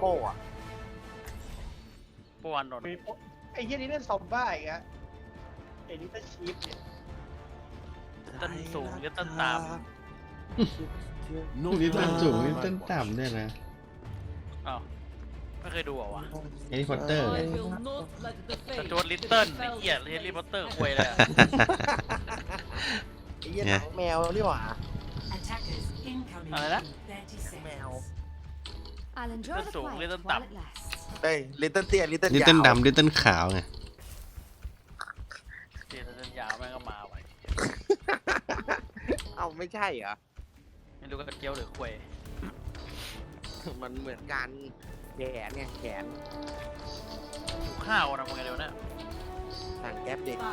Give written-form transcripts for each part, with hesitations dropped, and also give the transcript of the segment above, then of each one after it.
ป้อ่ะปวนโดนไอ้เหี้ยนี่เล่นซอมบ้าอีกอะไอ้นี่เป็นชีฟเนี่ยต้นสูงหรือต้นต่ำนี่ต้นสูงนี่ต้นต่ำเนี่ยนะอ้าวไม่เคยดูเหรอวะแฮร์รี่พอตเตอร์สจวตลิตเติ้ลไอ้เหี้ยเฮลิพอตเตอร์ควยเลยอะไอ้เหี้ยหนังแมวนี่หว่าอะไรนะแมวต้นสูงหรือต้นต่เฮ้ยลิตเติ้ลเตี้ยลิตเติ้ลลิตยาวเติ้ลดำลิตเติ้ลขาวไงำเดี๋ยวต้นยาวแม่งก็มาไว้เอ้าไม่ใช่เหรอไม่รู้กระเจียวหรือควยมันเหมือนกันแขนไงแขนดูข้าวนะมึงไงเดี๋ยวนะสั่งแก๊ปเด็ก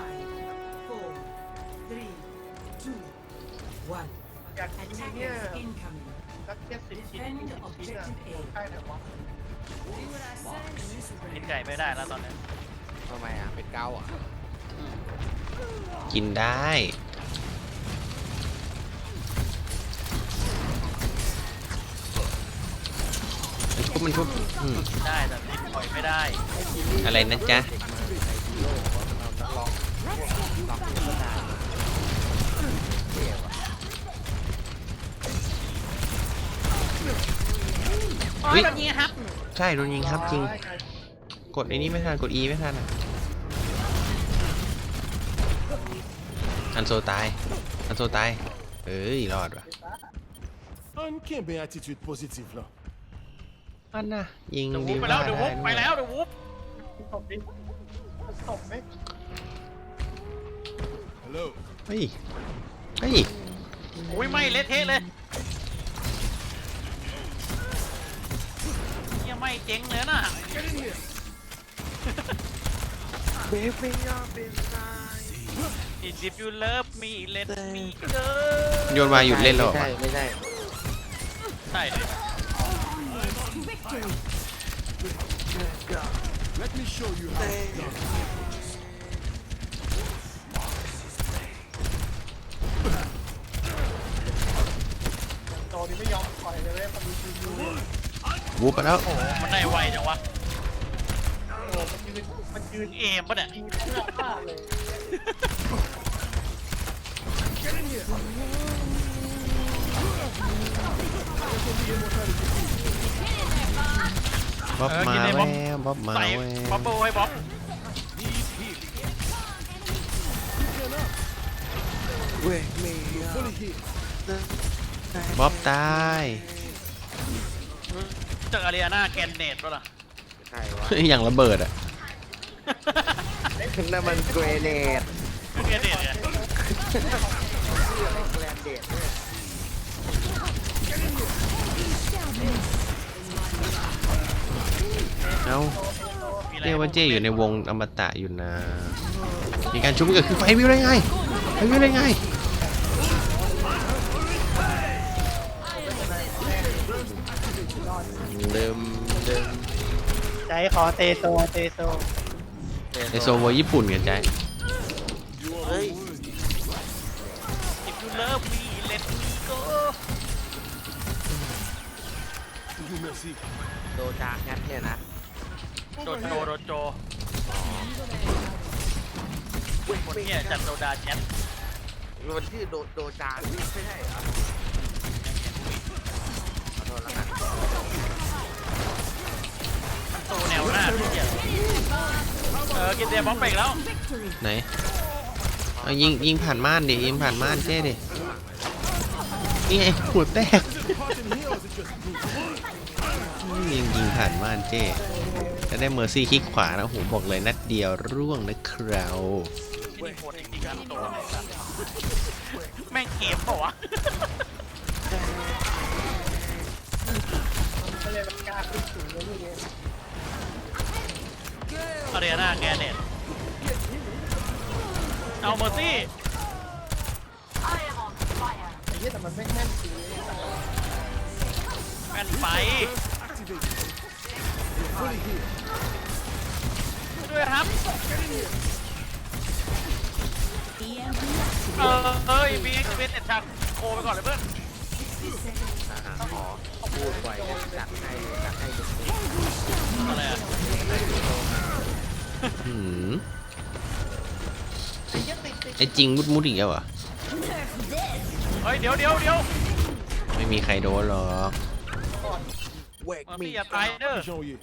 อยากกินเนี่ยสักแค่10 ชิ้น20 ชิ้นอะใช่ไหมวะกินไก่ไม่ได้แล้วตอนนี้ทำไมอ่ะเป็นเกาอ่ะกินได้มันทุบได้แต่ลิ้นปล่อยไม่ได้อะไรนะจ๊ะโอ้ยโดนยิงครับใช่โดนยิงครับจริง กดไอ้นี้ไม่ทันกด E ไม่ทันอ่ะอันโซตายอันโซตายเอ้ยรอดว่ะ Un che belle attitude positive là. อันน่ะยิงเดี๋ยววุดีบไปว่าแล้วเดี๋ยววุบไปได้แล้วเดี๋ยววุบตบดิตบไหม Hello. เฮ้ยเฮ้ยอุ้ยไม่เละเทะเลยยังไม่เจ๊งเลยน่ะเบฟยาเป็นไง If you love me let me go โยนมาหยุดเล่นแล้วเหรอไม่ใช่ใช่เลย Let me show you how it's done. โตนี่ไม่ยอมปล่อยเลยเว้ยมันมีคิวยูวูบไปแล้วโอ้โหมันได้ไวจังวะโอ้มันยืนเอมปะเนี่ยยิงเพื่อฆ่าเลยบ๊อบมาแววบ๊อบมาใส่แวบ๊อบวเบิ้ลไว้บ๊อบเว้ยเมย์ Fully healed. บ๊อบตายจากอารีนาแกนเนตปะล่ะใช่วะอย่างระเบิดอ่ะนั่นมันเกรเนดแกนเนตเนี่ยแกรนเดดเนี่ยเอ้ามีอะไรเรียกว่าเจ้อยู่ในวงอมตะอยู่นะ มีการชุบเกิดขึ้นไฟวิวได้ไงไฟวิวได้ไงเดิมใจขอเตโซเตโซในโซโวญี่ปุ่นกันใจเฮ้ย If you love me let me go You merci. โดจาแคทเนี่ยนะโดนโจคนเนี่ยจัดโดดาแจ็ตมันชื่อโดจาไม่ใช่เหรอขอโทษแล้วกันโตแนวหน้าที่เกียกินเดียบอมไปอีกแล้วไหนเอายิงผ่านม่านดิยิงผ่านม่านเจ้ดินี่ไงหัวแตก ยิงผ่านม่านเจ้จะได้เมอร์ซี่คลิกขวานะโหบอกเลยนัดเดียวร่วงนะครับนี่โคตรจริงๆครับโตไหนครับแม่งเกมเปล่าวะก็เลยมันกล้าขึ้นสูงเลยนี่เนี่ยอารีนาแกนเนตเอาเมอร์ซี่ไอ้เหี้ยแต่มันไม่แม่นจริงเลยแม่นไฟ Activate. Fully healed. ด้วยครับมีเอ็กซ์เพรสเอ็ดทางโคไปก่อนเลยเพื่อนขอพูดไว้จัดให้หืมไอ้เหี้ยติดไอ้จริงมุดอีกแล้วเหรอเฮ้ยเดี๋ยวไม่มีใครโดนหรอกเวกมันมีพี่อย่าตายเด้อ Janvier.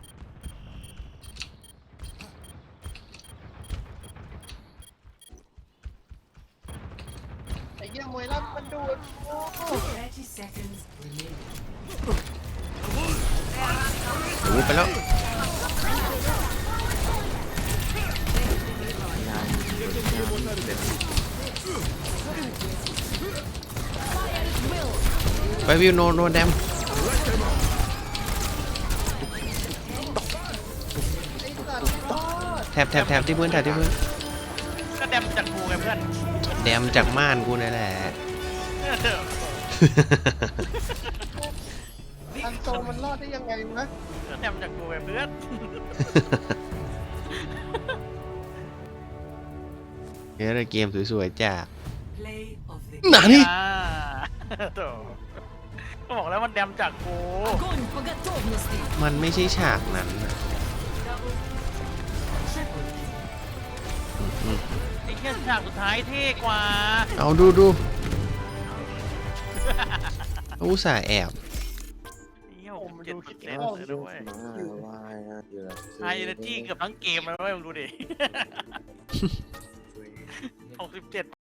ไอ้เหี้ยมวยลั่นมันดูดโอ้โห 30 seconds remaining. โอ้ไปแล้ว ไปวิวโนแดมแถบที่พื้นแถบที่พื้นก็แดมจากกูไงเพื่อนแดมจากม่านกูนี่แหละอันโซมันรอดได้ยังไงวะก็แดมจากกูไงเพื่อนเฮ้ยเกมสวยๆจ้า Play of the หนานี่อ่าโถ่ก็บอกแล้วมันแดมจากกู Огонь по готовности. มันไม่ใช่ฉากนั้นน่ะไอ้แค่ฉากสุดท้ายเท่กว่าเอาดูอุตส่าห์แอบเหี้ย67%เลยด้วยวายนะเดี๋ยวไฮเอเนจีเกือบทั้งเกมเลยเว้ยมึงดูดิ 67